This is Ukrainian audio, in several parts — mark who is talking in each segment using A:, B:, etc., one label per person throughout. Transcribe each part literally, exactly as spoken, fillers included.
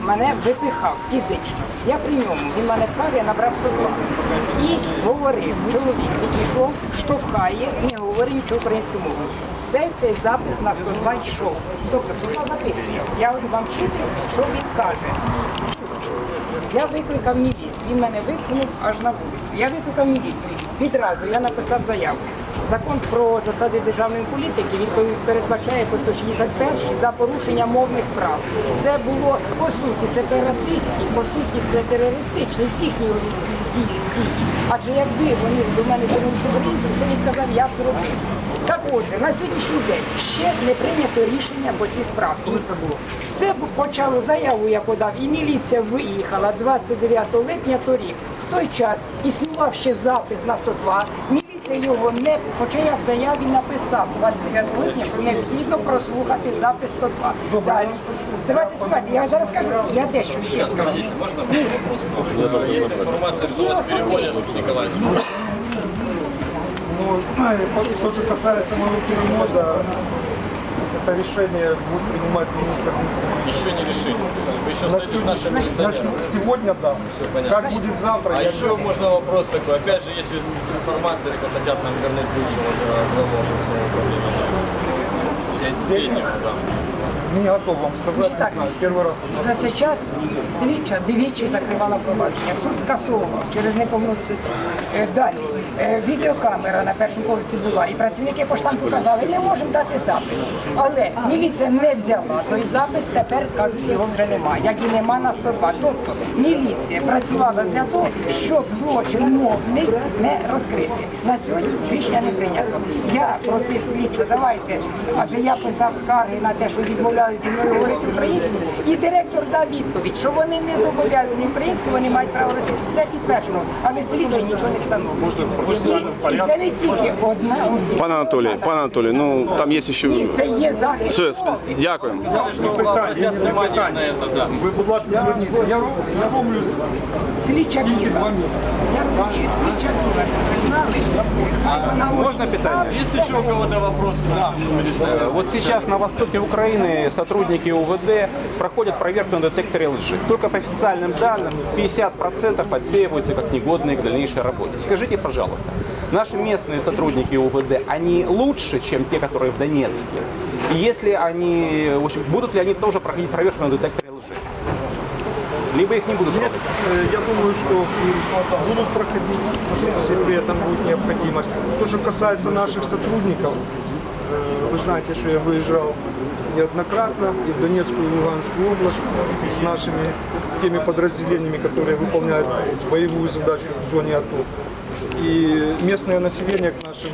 A: мене випихав фізично. Я при ньому, він мене пхав, я набрав сто два. І говорив, чоловік підійшов, штовхає, не говорить нічого українською мовою. Все цей запис на сто два йшов. Тобто, сто два записує. Я вам читаю, що він каже. Я викликав міліцію, він мене викинув аж на вулицю. Я викликав міліцію. Відразу я написав заяву. Закон про засади державної політики відповідь передбачає по сто шістдесят перший за порушення мовних прав. Це було по суті сепаратистські, по суті це терористичні з їхньої дії. Адже якби вони до мене звернулися українців, що він сказав, я б зробив. Так отже, на сьогоднішній день ще не прийнято рішення по цій справі. Коли це було? Це почало заяву, я подав, і міліція виїхала двадцять дев'ятого липня торік. В той час існував ще запис на сто два. Міліція його не, хоча я в заяві написав двадцять дев'ятого липня, що необхідно прослухати запис сто два. Далі. Стривайте, стривайте, я зараз скажу, я дещо ще скажу.
B: Можно вопрос? Есть информация, что вас переводят в Николаевск.
C: Ну, то, что касается моего перевода, это решение будет принимать министр.
B: Еще не решили. Вы еще
C: На,
B: стоите с нашим
C: на
B: милиционером.
C: сегодня, да.
B: Все понятно.
C: Как будет завтра,
B: А
C: я
B: еще можно вопрос такой. Опять же, есть информация, что хотят нам вернуть бывшего главу областного управления. Сенева, да.
C: не готов вам сказать,
A: Так.
C: не знаю, первый раз.
A: За цей час слідча двічі закривала провадження. Суд скасовував через неповну. Е, Далі. Е, Відеокамера на першому поверсі була, і працівники поштампу казали, не можемо дати запис. Але міліція не взяла той запис, тепер, кажуть, його вже немає, як і нема на сто два. Тобто міліція працювала для того, щоб злочин мовний не розкрити. На сьогодні рішення не прийнято. Я просив слідчу, давайте, адже я писав скарги на те, що відмовляли зі мною говорити українською, і директор дав відповідь, що вони не зобов'язані українською, вони мають право російською. Все підтверджено, але слідчі нічого не встановлює. І, і це не тільки одна.
D: Пане Анатолій, пане Анатолій, ну там є ще...
A: Ні, це є захист.
D: Все, сп- дякую.
B: Что обратят внимание на это, да.
C: Ви, будь ласка, зверніться. Я, я роблю
A: Слідча Ківа. Я розумію, слідча Ківа, що ви знали.
E: Можно питание?
B: Есть еще у кого-то вопросы? Да.
E: Э, Вот сейчас на востоке Украины сотрудники УВД проходят проверку на детекторе лжи. Только по официальным данным пятьдесят процентов отсеиваются как негодные к дальнейшей работе. Скажите, пожалуйста, наши местные сотрудники УВД, они лучше, чем те, которые в Донецке? И если они, в общем, будут ли они тоже проходить проверку на детекторе лжи? Либо их не будут
C: Есть,
E: делать?
C: э, я думаю, что будут проходить, если при этом будет необходимость. То, что касается наших сотрудников, э, вы знаете, что я выезжал неоднократно и в Донецкую, и в Луганскую область с нашими теми подразделениями, которые выполняют боевую задачу в зоне АТО. И местное население к нашим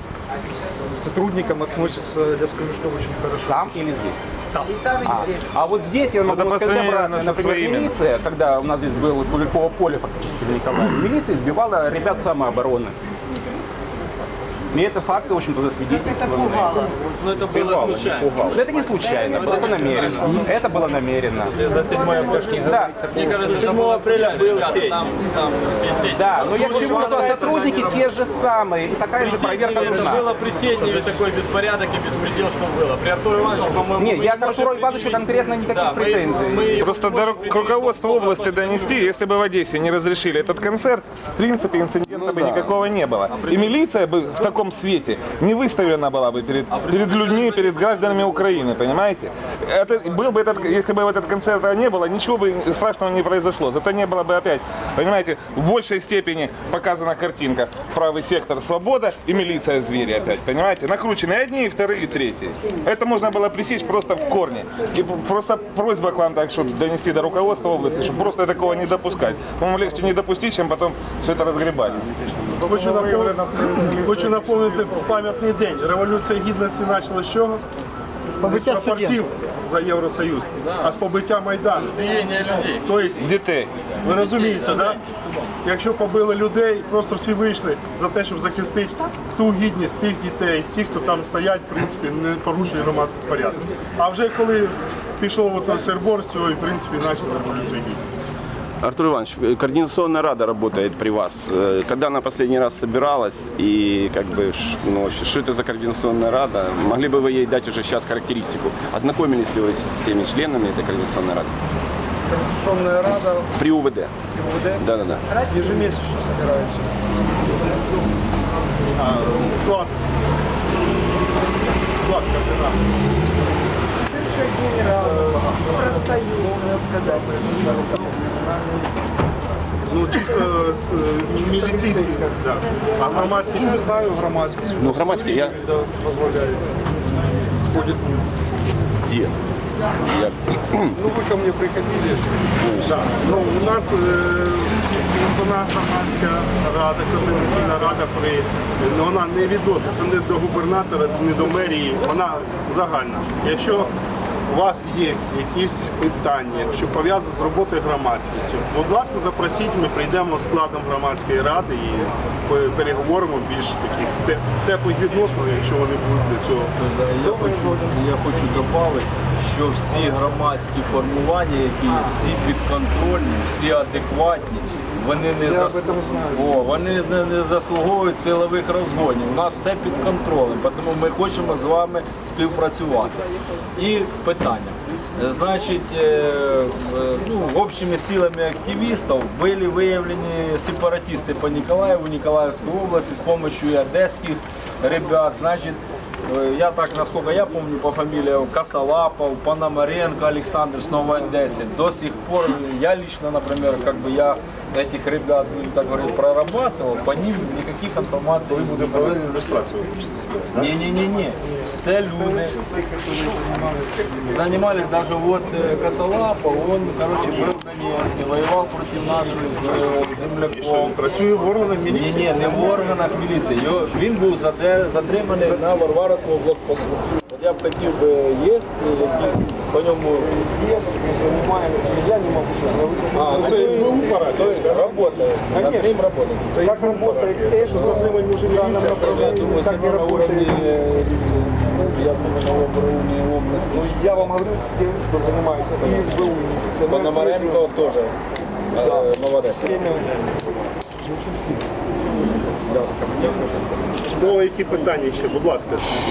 C: сотрудникам относится, я скажу, что очень хорошо.
E: Там или здесь? А, а вот здесь я могу
F: Это по
E: сказать,
F: сравнению
E: когда,
F: со
E: например,
F: своими.
E: милиция, когда у нас здесь было Куликово поле фактически в Николаеве, милиция избивала ребят самообороны. И это факты, в общем-то, засвидетельствованы.
B: Ну это было
E: Пугало, не
B: случайно.
E: пугало. Это не случайно, это намеренно. Это было намеренно.
B: За седьмое апреля.
E: Да,
B: Мне кажется, седьмого апреля был сеть. Там, там сеть.
E: да, но я к чему, что сотрудники те же самые, и такая же проверка
B: Это
E: нужна.
B: было при Сетневе такой беспорядок и беспредел, что было. При Артуре Ивановиче, по-моему,
E: Нет,
B: мы
E: я
B: не
E: к Артуру
B: можем
E: Ивановичу
B: предъявить.
E: конкретно никаких
B: Да, мы-
E: претензий.
B: мы-
F: Просто до ру- к руководству области донести, если бы в Одессе не разрешили этот концерт, в принципе инцидента бы никакого не было. И милиция бы в таком свете не выставлена была бы перед, перед людьми, перед гражданами Украины, понимаете? Это, был бы этот, если бы этот концерт не было, ничего бы страшного не произошло. Зато не было бы опять, понимаете, в большей степени показана картинка. Правый сектор свобода и милиция звери опять, понимаете? Накручены одни, и вторые, и третьи. Это можно было пресечь просто в корне. И п- просто просьба к вам так, чтобы донести до руководства области, чтобы просто такого не допускать. По-моему, легче не допустить, чем потом все это разгребать.
C: Хочу напомнити, хочу напомнити пам'ятний день. Революція Гідності почала з чого? З побиття студентів за Євросоюз, а з побиття Майдану.
B: Избиение людей.
C: Тобто,
F: Дітей.
C: ви розумієте, да? Якщо побили людей, просто всі вийшли за те, щоб захистити ту гідність тих дітей, ті, хто там стоять, в принципі, не порушує громадський порядок. А вже коли пішов ото Сербор, з цього, і, в принципі, почала революція Гідності.
D: Артур Иванович, координационная рада работает при вас. Э, Когда она последний раз собиралась и как бы, ш- ну, вообще, что это за координационная рада? Могли бы вы ей дать уже сейчас характеристику? Ознакомились ли вы с теми членами этой координационной рады?
C: Координационная рада
D: При УВД.
C: УВД
D: Да-да-да.
C: ежемесячно собирается. А, склад. Склад координат.
A: Генерал, профсоюз, сказать.
C: Ну, чисто е, міліцейський, да. А громадськість не знаю, громадськість.
D: Ну, громадський я...
C: Да, дозволяє. Ходит.
D: Где? Я...
C: Ну, вы ко мне приходили. Да. Ну, у нас е, вона громадська рада, координаційна рада при, ну, вона не відноситься не до губернатора, не до мерії, вона загальна. Якщо у вас є якісь питання, що пов'язані з роботою громадськістю, будь ласка, запросіть, ми прийдемо складом громадської ради і переговоримо більш таких те- теплих відносин, якщо вони будуть для цього.
B: Я хочу, я хочу додати, що всі громадські формування, які всі підконтрольні, всі адекватні, вони не,
C: Я
B: зас...
C: об этом знаю.
B: О, вони не, не заслуговують силових розгонів. У нас все під контролем, тому ми хочемо з вами співпрацювати. І питання. Значить, е, е, ну, общими силами активистов были выявлены сепаратисты по Николаеву, Николаевской области с помощью и одесских ребят. Значит, э, я так, насколько я помню, по фамилиям Косолапов, Пономаренко Александр с Новой Одессы. До сих пор я лично, например, как бы я этих ребят, будем так говорить, прорабатывал, по ним никаких информаций не
C: Буде
B: буду.
C: проведена ілюстрація, ви хочете сказати, да?
B: Не-не-не-не. Це люди. Занимались даже вот э, Косолапов, он, короче, был в Донецке, воевал против наших э, земляков.
C: Працює в органах
B: Ні,
C: міліції.
B: ні, не в органах міліції. Його, він був заде- затриманий на Варварському блокпосту. От я б хотів би, є якісь по ньому є, займаємо, я не можу ще говорити. А,
C: Це СБУ пора?
B: то есть работает, над ним работает.
C: Це як працює, що затримані вже міліція.
B: Я думаю,
C: так
B: это
C: не
B: на
C: работает.
B: уровне, э, я думаю, на уровне области.
C: Я вам говорю, тем, что занимается и СБУ, и милиция.
B: Пономаренко тоже, э, молодец.
C: Ну, які питання ще, будь ласка.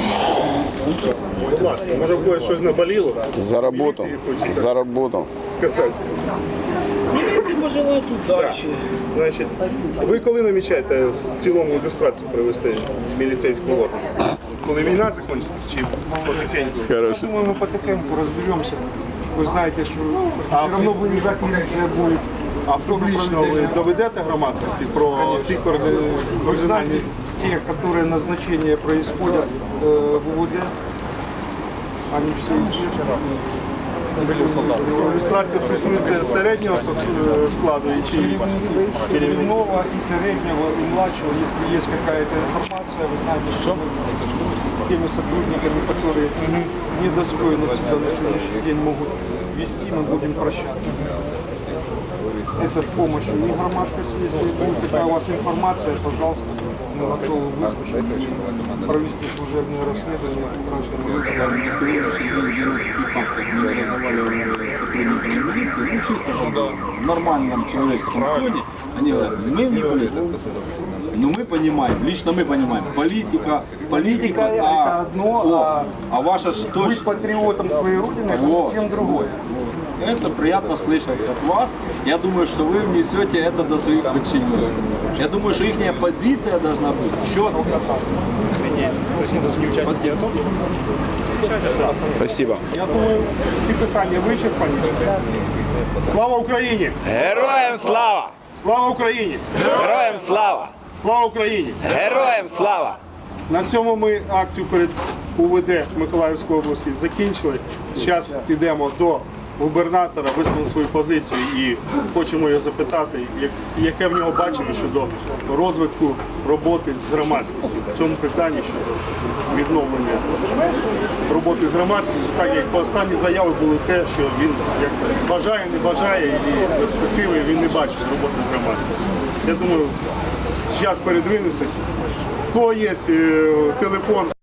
C: Будь ласка, може в когось щось наболіло?
D: За работу.
C: Міліції хочеться
D: За работу.
C: сказати.
B: Милиции пожелать удачи.
C: Значить, ви коли намічаєте в цілому ілюстрацію привести міліцейського органу? Коли війна закінчиться чи потихеньку?
D: Хорошо.
G: Думаю, мы потихоньку разберемся. Вы знаете, что все равно выезжать милиция будет.
C: А публічно ви доведете громадськості про ті координальні?
G: Вы знаете, те, которые назначения происходят э, в УВД, они все известны.
C: Ілюстрація стосується середнього сос- складу і чи
G: Черевного и среднего, и младшего, если есть какая-то информация, вы знаете, что мы с теми сотрудниками, которые недостойно себя на сегодняшний день могут вести, мы будем прощаться. Это с помощью и громадскости, если будет такая у вас информация, пожалуйста, мы готовы выслушать и провести служебное расследование.
H: На сегодняшний день никаких фактов не разговаривали с сотрудниками милиции, ну чисто когда в нормальном человеческом тоне, они говорят, мы не политики. Но мы понимаем, лично мы понимаем, политика, политика,
G: Политика это одно,
H: о,
G: а
H: а ваша ж тоже...
G: Быть патриотом своей родины – это
H: Вот.
G: совсем другое.
H: Это приятно слышать от вас. Я думаю, что вы внесете это до своих подчиненных. Я думаю, что их позиция должна быть четкая. Спасибо.
D: Спасибо.
C: я думаю, всі питання вичерпані. Слава Україні!
I: Героям слава!
C: Слава Україні!
I: Героям слава!
C: Слава Україні!
I: Героям слава!
C: На цьому ми акцію перед УВД Миколаївської області закінчили. Зараз підемо до губернатора, висловимо свою позицію і хочемо його запитати, як- яке в нього бачення щодо розвитку роботи з громадськістю. В цьому питанні щодо відновлення роботи з громадськістю, так як по останні заяви були те, що він як бажає, не бажає і перспективи він не бачить роботи з громадськістю. Я думаю, зараз передвинемося. В кого є е, телефон